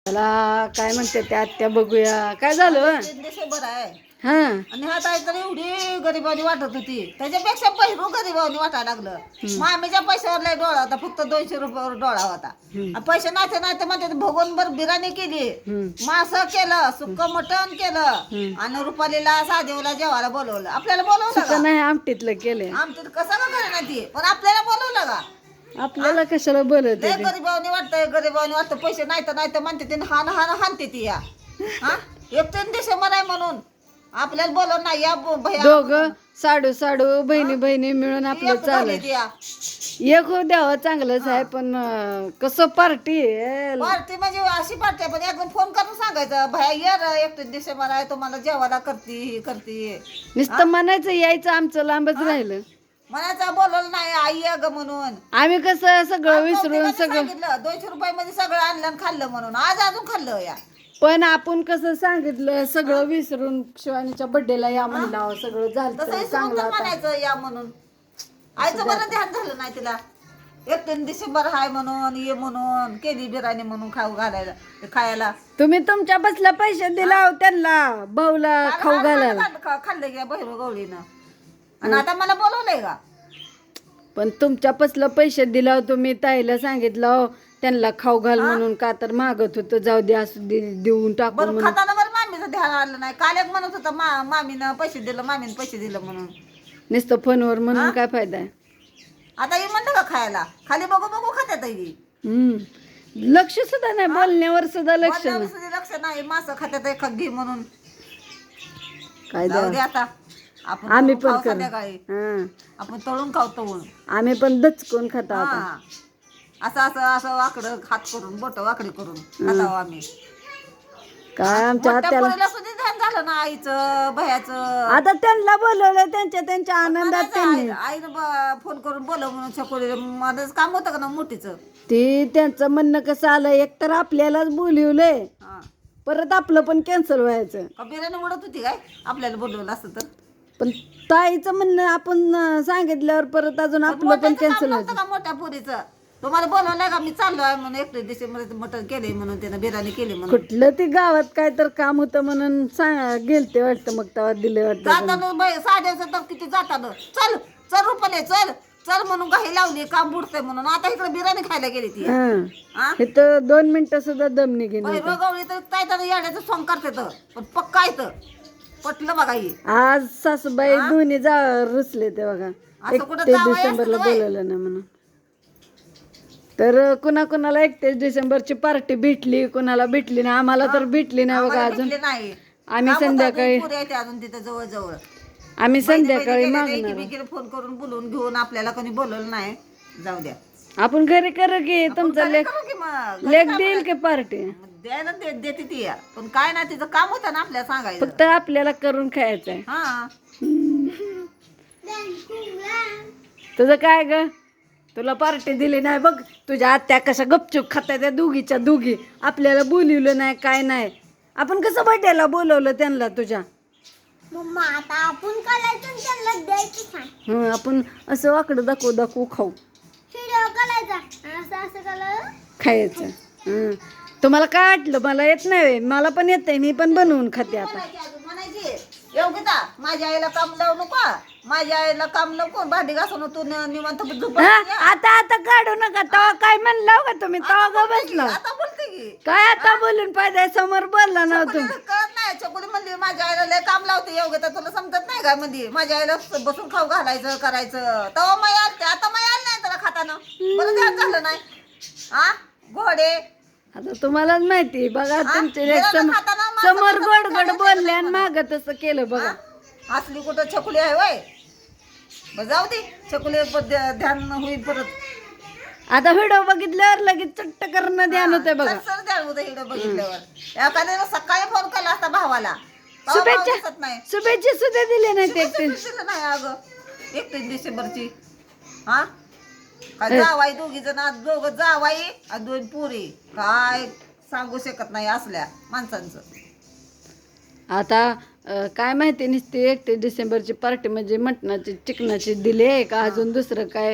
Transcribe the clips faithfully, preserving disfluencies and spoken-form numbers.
त्याला काय म्हणते त्या आत्या बघूया काय झालं. बरं आहे हा आणि हा ताई तर एवढी गरिबानी वाटत होती त्याच्यापेक्षा पहिरू गरिबानी वाटायला लागलं. मामीच्या पैशावर लय डोळा होता फक्त दोनशे रुपयावर डोळा होता. आणि पैसे नाते नाते म्हणते भगवून बर बिर्याणी केली मास केलं सुक्क मटण केलं आणि रुपालीला सादेवला जेवायला बोलवलं. आपल्याला बोलवलं का नाही आमटीतलं केलं आमटीत कसं का करे ती पण आपल्याला बोलवलं का. आपल्याला कशाला बोलत लय गरिबानी वाटतंय गरिबानी वाटतं पैसे नाही तर नाही तर म्हणते ते हान हान हानते ती या हा एक तीन डिसेंबर आहे म्हणून आपल्याला बोलव नाही या भैया दोघं साडू साडू बहिणी बहिणी मिळून आपलं चालत एक हो द्यावं चांगलंच आहे पण अं, कसं पार्टी पार्टी म्हणजे अशी पार्टी आहे पण एकदम फोन करून सांगायचं भैया ये र एकतीस डिसेंबर आहे तुम्हाला जेवायला करते ही करते नुसतं म्हणायचं यायचं आमचं लांबच राहिलं म्हणायचं बोलवलं नाही आई ये ग म्हणून. आम्ही कसं सगळं विसरून सगळं सांगितलं दोनशे रुपये मध्ये सगळं आणलं आणि खाल्लं म्हणून आज अजून खाल्लं या पण आपण कसं सांगितलं सगळं विसरून शिवानीच्या बर्थडेला या म्हणलं सगळं झालं तसं चांगलं आता. म्हणायचं या म्हणून आईचं बरं ध्यान झालं नाही तिला एकतीस डिसेंबर हाय म्हणून ये म्हणून केली बिर्याणी म्हणून खाऊ घालायला खायला. तुम्ही तुमच्या बसला पैसे दिला हो त्यांना भाऊला खाऊ घालायला खा- खाल्लं घ्या बहिरो गवळीनं आणि आता मला बोलवलंय का. पण तुमच्या पसला पैसे दिला तुम्ही ताईला सांगितलं हो, त्यांना खाऊ घाल म्हणून का तर मागत होतं जाऊ दे असं दे- देऊन टाकू बरं म्हणून खाताना बरं मामीचं ध्यान आलं नाही काल एक म्हणत होतं मा मामीनं पैसे दिलं मामीनं पैसे दिलं म्हणून. नुसतं फोनवर म्हणून काय फायदा आहे. आता हे म्हणलं का खायला खाली बघू बघू खात्यात ही हम्म लक्ष सुद्धा नाही बोलण्यावर सुद्धा लक्ष नाही बोलण्यावर लक्ष नाही मासं खात्यात एक घे म्हणून काय जाऊ द्या दे आता आपण आम्ही तळून पण खाऊ करू संध्याकाळी हा आपण तळून खाऊ तळून आम्ही पण दचकून खाता आता हा असं असं असं वाकडं हात करून बोट वाकडी करून खातावं आम्ही. काय आमच्या मोठ्या हात्याला पोरीला सुद्धा ध्यान झालं ना आईचं भयाचं आता त्यांना बोलवलं त्यांच्या त्यांच्या आनंदात त्यांनी आईनं ब- फोन करून बोलव म्हणून छकोली माझंच काम होतं का ना मोठीचं. ते त्यांचं म्हणणं कसं आलं एकतर आपल्यालाच बोलवलंय हा परत आपलं पण कॅन्सल व्हायचं का बिर्याणी उडत होती काय आपल्याला बोलवलं असतं तर. पण ताईचं म्हणणं आपण अं, सांगितल्यावर परत अजून आपलं पण मोठ्याचं काम कॅन्सल नव्हतं व्हायचं का मोठ्या पोरीचं तुम्हाला बोलवलंय का मी चाललो आहे म्हणून एकटे डिसेंबर मटण केले म्हणून त्यानं बिर्याणी केली म्हणून. कुठलं ते गावात काय तर काम होतं म्हणून सांग गेलते वाटतं मग तेव्हा दिले वाटतं जाताना बाई साध्याचं तर किती जाताना चल चल रुपले चल चल म्हणून काही लावली काम बुडतंय म्हणून आता इकडे बिर्याणी खायला गेली ती. हा हा हे तर दोन मिनिटं सुद्धा दम निघेन बाई रोगावली तर काय तर येड्याचं सॉंग करते तर पण पक्का येतं पटलं बघा ही आज सासूबाई दोन्ही जा रुसले ते बघा असं कुठं एकतीस जावई डिसेंबरला असतं बाई? बोलवलं ना म्हणून तर कुणा कुणाला एकतीस डिसेंबरची पार्टी भेटली कुणाला भेटली नाही आम्हाला तर भेटली नाही बघा आम्हाला अजून भेटले नाही आम्ही काम होतं, संध्याकाळी पुरी आहे ते अजून तिथं जवळ जवळ आम्ही संध्याकाळी मागणार एकमेकीला फोन करून बोलवून घेऊन आपल्याला कोणी बोलवलं नाही जाऊ द्या आपण घरी कर की तुमचा घरी लेख करू की मग लेख देईल की पार्टी द्यायला दे- देते ती या. पण काय नाही तिचं काम होतं ना आपल्याला सांगायचं. फक्त आपल्याला करून खायचंय हा तुझं काय ग तुला पार्टी दिली नाही बघ तुझ्या आत्या कशा गपचूप खात्या त्या दोघीच्या दोघी आपल्याला बोलवलं नाही काय नाही आपण कसं बर्थडेला बोलवलं त्यांना तुझ्या मम्मा आता आपण करायचं त्यांना द्यायचं सांग हं आपण असं वाकडं दाखवू दाखवू खाऊ व्हिडिओ करायचा असं असं करा खायचं हं तुम्हाला काय वाटलं मला येत नाही मला पण येतंय मी पण बनवून खाते आता म्हणायची अजून म्हणायची योगिता माझ्या आईला काम लावू नको माझ्या आईला काम नको भांडी घासून तू न- निवांत झोपत हं? जा. आता आता काढू नका तवा काय म्हणला का तुम्ही तवा ग बसला आता बोलते की काय आता बोलून पाहिजे समोर बोलला ना तुम्ही चकुलीला कळत नाही चकुली म्हणली माझ्या आईला लय काम लावते योगिता तुला समजत नाही का म्हणजे माझ्या आईला बसून खाऊ घालायचं करायचं तेव्हा माई आलते आता माई आलं नाही त्याला खाताना बरं ध्यान झालं नाही हा घोडे आता तुम्हालाच माहिती बघा तुमचे लेक गेला सम- खाताना माणसं समोर कसं गोड गोड खायचं बोलले आणि माग तसं केलं बघा हा? असली कुठं छकुली आहे वय बरं जाऊ दे छकुली ब- ध्या- ध्यान होईल परत आता व्हिडिओ बघितल्यावर लगेच चट्ट करणं ध्यान होते बघा सर ध्यान होतं इकडं बघितल्यावर एखाद्याला सकाळी फोन केला असता भावाला तेव्हा भाव शुभेच्छा दिसत नाही शुभेच्छा सुद्धा दिले नाही ते एकटे दिसलं नाही अगं एकतीस डिसेंबरची हा काय जावाई दोघी जण आज दोघं जावाई आणि दोन पुरी काय सांगू शकत नाही असल्या माणसांचं आता अं, काय माहिती नसते एकतीस डिसेंबरची पार्टी म्हणजे मटणाची चिकनाची दिली आहे का अजून दुसरं काय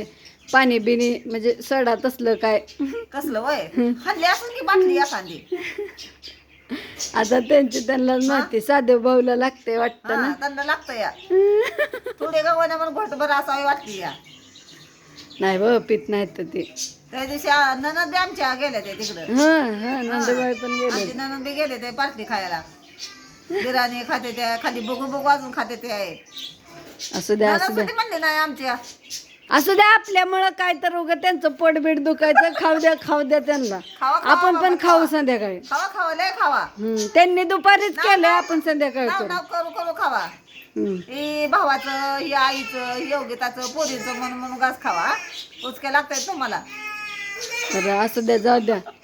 पाणी बिनी म्हणजे सडा तसलं काय कसलं वय हल्ली असून की बाटली एखादी आता त्यांची त्यांना माहिती साधे भाऊला लागते वाटतं हा ना. त्यांना लागतं या थोडे गव्हाने म्हणून घोटभर असावी वाटली या नाही बा पित नाहीत ते. त्या दिवशी आ- ननद बी आमच्या गेल्या ते तिकडं हा हा नंदबाई पण गेले. आमची ननद बी गेले ते पार्टी खायला बिर्याणी खाते त्या खाली बघू बघू अजून खाते ते आहे असू द्या असू द्या ननद म्हणले नाही आमच्या असू द्या आपल्यामुळं काय तर उगं त्यांचं पोट बीट दुखायचं खाऊ द्या खाऊ द्या त्यांना. खावा खावा आपण पण बाबा, खाऊ खावा. संध्याकाळी. खावा खावा लय खावा हम्म, त्यांनी दुपारीच केलंय आपण संध्याकाळी नाव करू. नाव करू करू खावा हम्म. ही भावाचं ही आईचं ही योगिताचं पोरीचं म्हणून म्हणून घास खावा उचके लागतायत तुम्हाला तर असू द्या जाऊ द्या